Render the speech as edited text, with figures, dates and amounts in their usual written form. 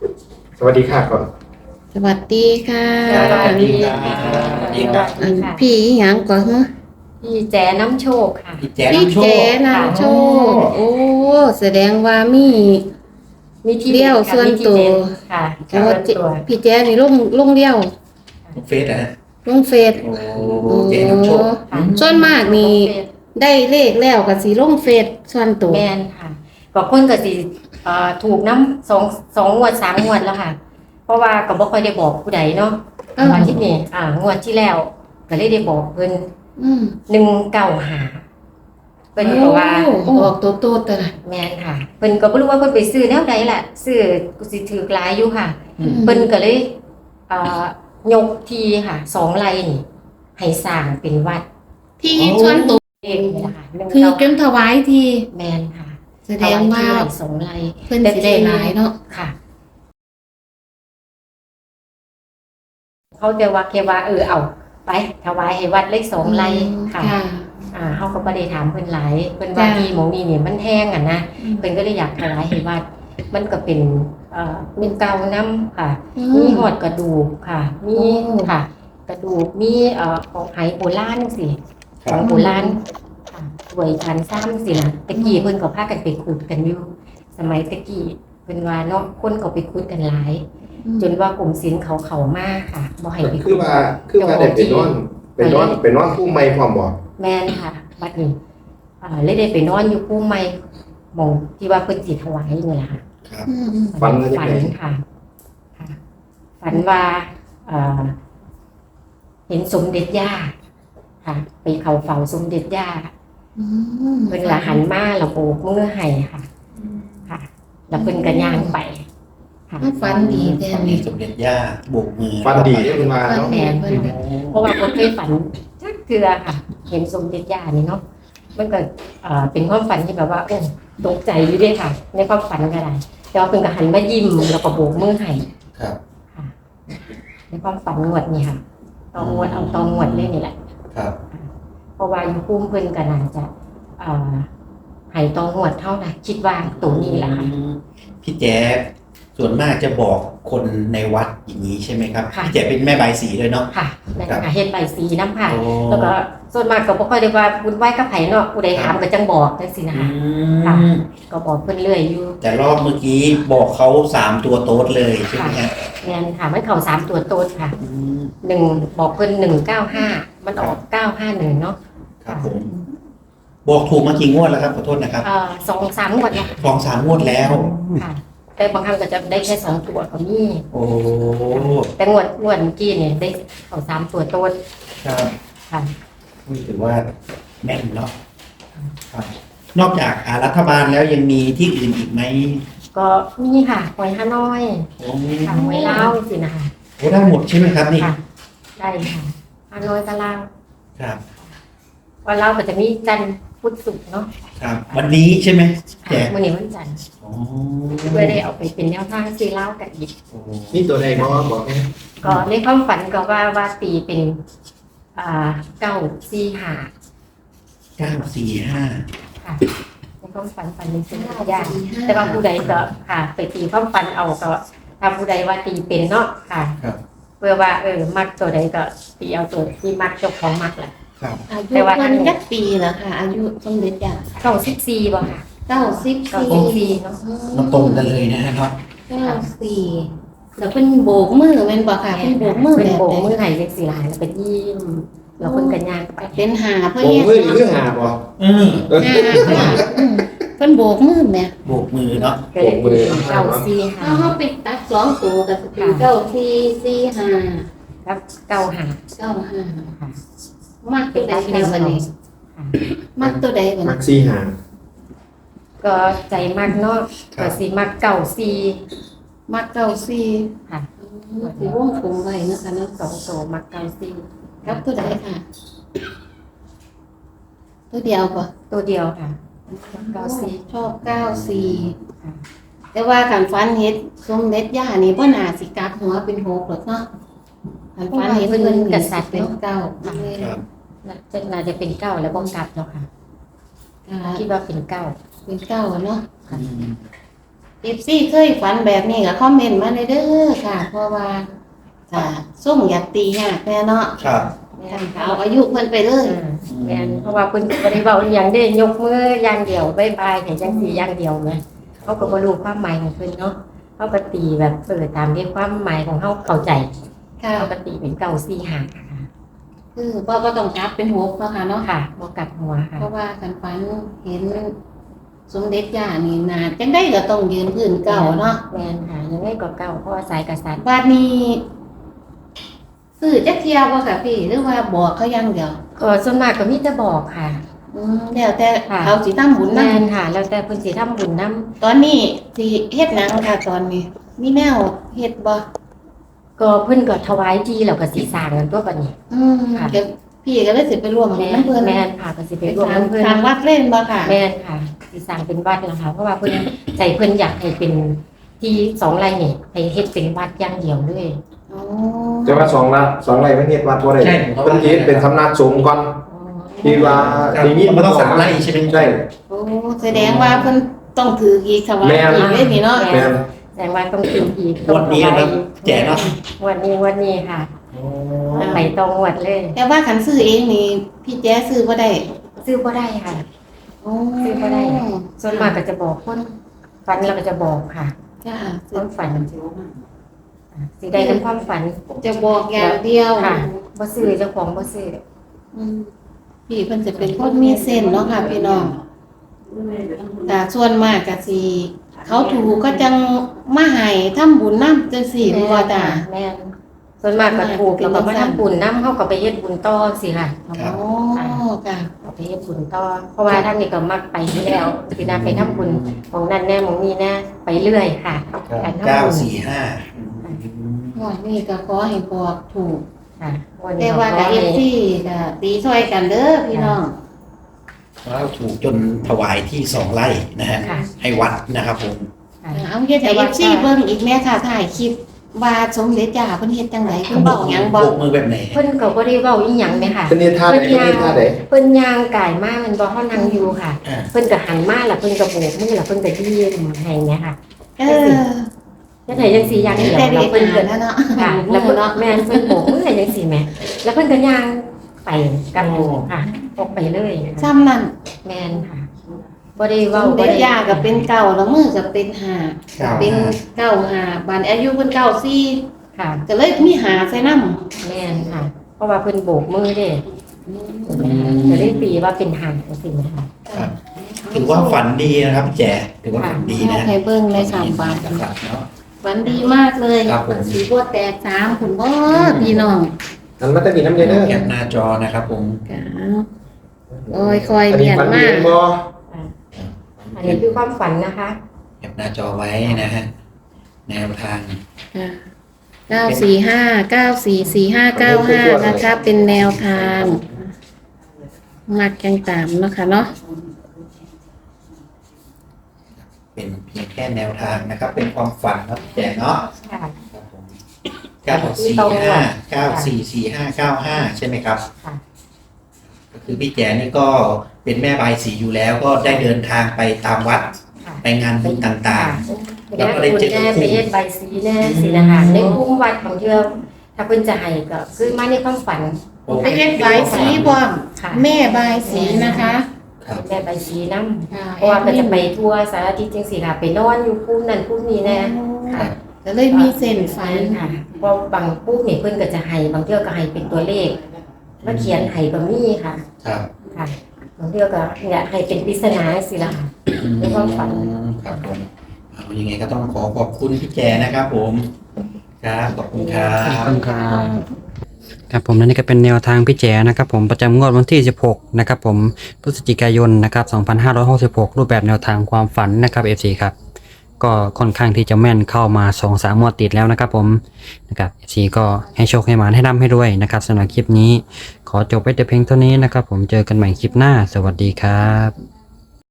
สวัสดีค่ะก่อนสวัสดีค่ะสวัสดีครับสวัสดีครับพี่หยังก่อนฮะพี่แจ๋น้ำโชคค่ะพี่แจ๊พี่น้ำโชเจคนำโชคโอ้แสดงว่ามีมีที่เดี่ยวค่ะส่วนมีที่ตัวเด่นค่ะโอ้ส่วนเจตัวพี่แจนี่ลงเดียวเฟซนะฮะลงเฟซโอ้เจ๊น้ำโชคค่ะส่วนมากนี่ได้เลขแล้วก็สิลงเฟซส่วนตัวแมนค่ะก็คนก็สิถูกน้ำสองงวดสามงวดแล้วค่ะ เพราะว่าก็บ่ค่อยได้บอกผู้ใดเนาะเอออาทิตย์นี้งวดที่แล้วก็เลยได้บอกเพิ่นอืม 195เพิ่นก็ว่าโอ้ออกตัวโตแต่ละแม่นค่ะเพิ่นก็บ่รู้ว่าเพิ่นไปซื้อแนวใดล่ะซื้อกูสิถือหลายอยู่ค่ะอืมเพิ่นก็เลยยกทีค่ะ2ไร่นี่ให้สร้างเป็นวัดที่ส่วนตัวเองนี่ล่ะค่ะคือจนถวายทีแม่นค่ะแสดงว่าเอไที่2ไร่เพิ่นสิได้หลายเนาะค่ะ เขาจะว่าแค่ว่าเอาไปถวายให้วัดเลข2ไร่ค่ะค่ะเฮาก็บ่ได้ถามเพิ่นหลายเพิ่นว่าจ้ะที่หมองนี้เนี่ยมันแห้งนะเพิ่นก็เลยอยากถวายให้วัด มันก็เป็นเป็นเก่านํค่ะ มีหอดกระดูกค่ะ มีโอ้ค่ะ กระดูกมีของไหโบราณจังซี่คขรัอบ งโบราณค่ะสวยชันซ้ำสินะตะกี้เพิ่นก็พากันไปขุดกันอยู่สมัยตะกี้เพิ่นว่าเนาะคนก็ไปขุดกันหลาย จนว่ากรมศิลป์เขามาค่ะบ่ให้ไปคือว่าได้ไปนอนผู้ไม่พร้อมบ่แม่นค่ะบัดนี้เลยได้ไปนอนอยู่ภูใหม่หม่องที่ว่าเพิ่นสิถวายนี่ล่ะค่ะครับอืมฝันว่าจังฝัได๋นค่ะค่ะ ฝันว่าเอ่อเห็นสมเด็จย่าค่ะ ไปเขาเฝ้าสมเด็จย่าอืมเพิ่นละหันมาแล้วโบกมือให้ค่ะ ค่ะ แล้วเพิ่นก็ย่างไปค่ะฝันดีแท้ฝันดีนี่สมเด็จย่าโบกมือฟันดีเด้อคุณว่าเนาะแม่นเพิ่นเพราะว่าคนเคยฝันจักเทื่อค่ะ เห็นสมเด็จย่านี่เนาะมันก็เป็นความฝันที่แบบว่าโอ้ตกใจอยู่เด้วยค่ะ ในความฝันก็ได้แต่ว่าเพิ่นก็หันมายิ้มแล้วก็โบกมือให้ครับค่ะ ในความฝันงวดนี่ค่ะตองวดเอาตองวดเลยนี่แหละครับเพราะว่าอยู่ภูมิเพิ่นก็น่าจะให้ตองวดเท่านะคิดว่าตัวนี้แหละค่ะพี่แจ๊ส่วนมากจะบอกคนในวัดอย่างนี้ใช่ไหมครับค่ะพี่แจ๊เป็นแม่บายสีด้วยเนาะค่ะนั่นค่ะเฮ็ดใบสีน้ำค่ะโอ้แล้วก็ส่วนมากก็บ่ค่อยได้ว่าบุญไหว้กับไผเนาะผู้ใดถามก็จังบอกจังซี่นะอืคะมก็บอกเพิ่นเรื่อยอยู่แต่รอบเมื่อกี้บอกเขา3 ตัวโต๊ดเลยใช่ไหมฮะแม่นค่ะมันเข้า3ตัวโตดค่ะอืมบอกเพิ่น195มันออก951เนาะครับผมบอกถูกมากี่งวดแล้วครับขอโทษนะครับ 2-3งวดแล้ว 2-3 งวดแล้วค่ะ แต่บางครั้งก็จะได้แค่2ตัวก็มีโอ้แต่งวดเมื่อกี้เนี่ยได้เข้า3ตัวโตดครับค่ะถือว่าแม่นเนาะครับนอกจากรัฐบาลแล้วยังมีที่อื่นอีกไหมก็มีค่ะหอยฮานอยโอ้ค่ะหอยลาวสินะคะโอ้ได้หมดใช่ไหมครับนี่ค่ะ ได้ค่ะฮานอยกับลาวครับวันลาวก็จะมีจันทร์พุธศุกร์เนาะครับ วันนี้ใช่ไหมแจกมื้อนี้วันจันทร์โอ้เพื่อได้เอาไปเป็นแนวทางซื้อเหล้ากันอีกโอ้นี่ตัวใดบ่บอกให้ก็ในความฝันก็ว่าตีเป็น945 945 ค่ะในความฝันเป็นสิ่งที่ยากแต่ว่าผู้ใดก็ค่ะ ไปตีความฝันเอาก็ถ้าผู้ใดว่าตีเป็นเนาะค่ะครับเพื่อว่ามักตัวใดก็ตีเอาตัวที่มักเจ้าของมักแหละครับอายุแต่ว่าเพิ่นจักปีแล้วค่ะ อายุสมเด็จย่า 94บ่ค่ะ 94 เนาะมาตรงกันเลยนะฮะเนาะ 94แล้วเพิ่นโบกมือแม่นบ่ค่ะเพิ่นโบกมือเป็นแบบโบกใดมือให้เล็กสีลายแล้วก็ยิ้มแล้วเพิ่นก็ย่างไปเป็นหาเพิ่นโอ้เฮ็ดมือนี่คือหาบ่อืมหาเพิ่นโบกมือแม่โบกมือเนาะก็เลยเป็นเก้าสี่ห้าเฮาไปตัด2ตัวก็สิเป็น9445 แล้วเก้าหา 95มักตัวใดค่ะบัดนี้มักตัวใดบัดมันี้กซี่หาก็ใจมากเนาะก็สิมักเก้าสี่มัก94 ค่ะสิวงกลมไว้นะคะเนาะสองโตมักเก้าสี่ครับตัวใดค่ะ ตัวเดียวป่ะตัวเดียวค่ะเก้าสี่ชอบ94 ค่ะแต่ว่าการฟันเฮ็ดสมเด็จย่านี่บ่น่าสิกลับหัวเป็น6หรอกเนาะการฟันเฮ็ดเพิ่นเป็นเก้าครับน่าจะเป็นเก้าแล้วบ้องกลับเนาะค่ะคิดว่าเป็นเก้าเป็นเก้าเนาะอืม FC เคยฝันแบบนี้ก็คอมเมนต์มาได้เด้อค่ะ เพราะว่าส่งอยากตียากแน่เนาะครับเอาอายุเพิ่นไปเลยแม่นเพราะว่าเพิ่นบ่ได้เว้าอหย่างเด้ยกมืออย่างเดียวบ๊ายบายให้จังซี่อย่างเดียวแหมเขาก็บ่รู้ความหมายของเพิ่นเนาะเขาก็ตีแบบตามที่ความหมายของเฮาเข้าใจค่ะเขาก็ตีเป็น945ค่ะคือบ่ต้องกลับเป็นหกเนาะค่ะเนาะค่ะบ่กลับหัวค่ะเพราะว่าคันฝันเห็นสมเด็จย่านี่นาจังได้ก็ต้องยืนพื้นเก่าเนาะแม่นค่ะยังไงก็เก่าเพราะว่าสายกษัตริย์บัดนี้ซื้อจักเที่ยวบ่ค่ะพี่หรือว่าบอกเขาอย่างเดียวก็ส่วนมากก็มีแต่บอกค่ะแล้วแต่ค่ะเขาสิทำบุญแม่นำนค่ะ แล้วแต่เพิ่นสิทำบุญนํตอนนี้สิเฮ็ดหยังค่ะตอนนี้ มีแนวเฮ็ดบ่ก็เพิ่นก็ถวายทีแล้วก็สิสร้างกันตัวบัดนี้ ค่ะเดี๋ยวพี่ก็เลยสิไปร่วมแม่นำเพิ่นแม่นค่ะก็สิไปร่วมกับเพิ่นทางวัดเล่นบ่ค่ะแม่นค่ะสิสร้างเป็นวัดนะคะเพราะว่าเพิ่นใจเพิ่นอยากให้เป็นที่2ไร่นี่ให้เฮ็ดเป็นวัดอย่างเดียวเลยอ๋อแต่ว่า2 ไร่มันเฮ็ดวัดบ่ได้ใช่เพิ่นสิเป็นสำนักสงฆ์ก่อนที่ว่าครับที่มีมันต้อง3 ไร่ใช่ไหมใช่โอ้แสดงว่าเพิ่นต้องถืออีกค่ะว่าแม่นอีกเลยนี่เนาะแม่นแสดงว่าต้องกินอีกงวดนี้นะครับแจกเนาะงวันนี้ค่ะไปตรงงวดเลยแต่ว่าคันซื้อเองนี่พี่แจ๊ซื้อบ่ได้ซื้อบ่ได้ค่ะโอ้ซื้อบ่ได้ ส่วนมากก็จะบอกคนฝันเราก็จะบอกค่ะจ้าความฝันสิได้เป็นความฝันจะบอกอย่างเดียวค่ะบ่ซื้อเจ้าของบ่ซื้ออืมพี่เพิ่นจะเป็นคนมีเส้นเนาะค่ะพี่น้องแต่ส่วนมากก็สิเขาถูกก็จังมาให้ทำบุญนำจังซี่บ่ว่าจ้าแม่นส่วนมากก็ถูกแล้วก็มาทำบุญนำเฮาก็ไปเฮ็ดบุญต่อสิค่ะอ๋อค่ะเอาไปเฮ็ดบุญต่อเพราะว่าทางนี้ก็มักไปอยู่แล้วสินะไปทำบุญของนั่นแน่ของนี้แน่ไปเรื่อยค่ะการทำบุญ 945 วันนี้ก็ขอให้บอกถูกค่ะวันแต่นี้ว่าก็กับ FC ก็ตีช่วยกันเด้อพี่น้องแล้วถูกจนถวายที่2 ไร่นะฮะค่ะให้วัดนะครับผมค่ะเอาเฮ็ดให้ FC เบิ่งอีกแม่ค่ะถ่ายคลิปว่าสมเด็จย่าเพิ่นเฮ็ดจังไดเพิ่นเว้าหยังบ่โบกมือแบบไหนเพิ่นก็บ่ได้เว้าอีหยังแม่ค่ะเพิ่นเฮ็ดท่าใดเพิ่นเฮ็ดท่าใดเพิ่นย่างกายมามันบ่เฮานั่งอยู่ค่ะอ่าเพิ่นก็หันมาแล้วเพิ่นก็โบกมือแล้วเพิ่นก็ยิ้มให้เนี่ยค่ะเออจังได๋จังซี่อย่างเดียวแต่แล้เด็วกเพิ่นก็แล้วเนาะค่ะ แล้วเพิ่นแม่นเพิ่นโบกมือให้จังซี่แหม่แล้วเพิ่นก็ย่างไปกับหมู่ค่ะออกไปเลยซ้ำนั่นแม่นค่ะบ่ได้สเว้าม บ่เด็จได้ย่าก็เป็นเก่าแล้วมือก็เป็นห้าครับเป็น95บัดอายุเพิ่น94 ค่ะก็เลยมีหาใส่นำแม่นค่ะ เพราะว่าเพิ่นโบกมือเด้ก็เลยตีว่าเป็นหางจังซี่นะคะครับถือว่าฝันดีนะครับพี่แจ๋ถือว่าฝันดีนะให้เบิ่งใน3บาทนะครับเนาะฝันดีมากเลยครับผมสีบัวแตก3คุณบ่พี่น้องอันมันจะมีน้ำเย็นเด้อแคปหน้าจอนะครับผมโอ้ยคอยอันเนีนี้ยนฝันมาดีกบ่อันนี้คือความฝันนะคะแคปหน้าจอไว้นะฮะแนวทาง 945944595นะคะ เป็นแนวทางมักยังตามเนาะค่ะเนาะเป็นเพียงแค่แนวทางนะครับ เป็นความฝันครับพี่แจ๋เนาะค่ะครับผม945944595ใช่ไหมครับค่ะก็คือพี่แจ๋นี่ก็เป็นแม่บายสีอยู่แล้ว ก็ได้เดินทางไปตามวัดค่ะไปงานบุญต่างๆแล้วก็ได้เจอไปเฮ็ดใบสีแน่สินะคะในคุ้มวัดของเทื่อถ้าเพิ่นจะให้ก็คือมาในความฝันๆโอ้ไปเฮ็ดบายสีบ่มค่ะแม่บายสีนะคะครับแม่ใบสีน้ำเพราะว่าก็จะไปทั่วสารทิศจังซี่ค่ะไปนอนอยู่ภูมินั่นภูมินี้แน่ครับก็เลยมีเส้นฝันค่ะเพราะบางภูมินี่เพิ่นก็จะให้บางเทื่อก็ให้เป็นตัวเลขแล้วเขียนให้ก็มีค่ะครับค่ะบางเทื่อก็อยากให้เป็นปริศนาสิล่ะค่ะ ในความฝันครับผมเอายังไงก็ต้องขอบคุณพี่แจ๋นะครับผมครับขอบคุณครับครับผมและนี่ก็เป็นแนวทางพี่แจ๋นะครับผมประจำงวดวันที่ 16 นะครับผมพฤศจิกายนนะครับ 2566 รูปแบบแนวทางความฝันนะครับ FC ครับก็ค่อนข้างที่จะแม่นเข้ามา 2-3 งวดติดแล้วนะครับผมนะครับ FC ก็ให้โชคให้หมานให้ร่ำให้ด้วยนะครับสำหรับคลิปนี้ขอจบไว้แต่เพียงเท่านี้นะครับผมเจอกันใหม่คลิปหน้าสวัสดีครับ